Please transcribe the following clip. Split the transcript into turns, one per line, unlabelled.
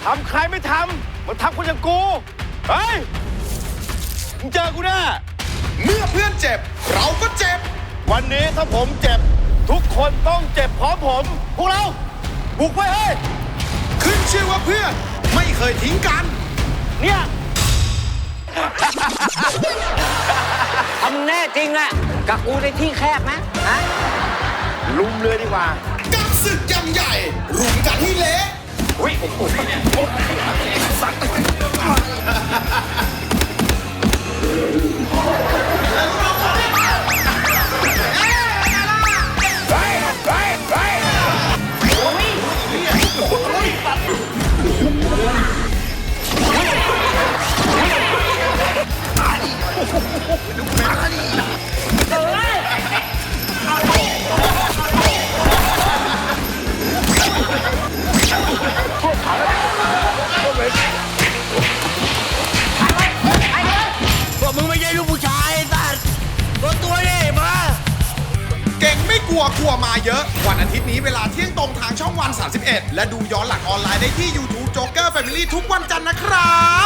ทำใครไม่ทำมันทำคนอย่างกูเฮ้ยมึงเจอกูแน่
เมื่อเพื่อนเจ็บเราก็เจ็บ
วันนี้ถ้าผมเจ็บทุกคนต้องเจ็บพร้อมผมพวกเราบุกไว้เฮ้ย
ขึ้นชื่อว่าเพื่อนไม่เคยทิ้งกัน
เนี่ย
ทำแน่จริงอะกับกูในที่แคบไหมฮะ
ลุมเลยดีกว่า
กับศึกยำใหญ่รุมกันให้เละ
อุ้ยสัตมึงไม่ใช่ลูกผู้ชายสัตว์ตัวนี่มา
เก่งไม่กลัวมาเยอะวันอาทิตย์นี้เวลาเที่ยงตรงทางช่องวัน31และดูย้อนหลังออนไลน์ได้ที่ YouTube Joker Family ทุกวันจันทร์นะครับ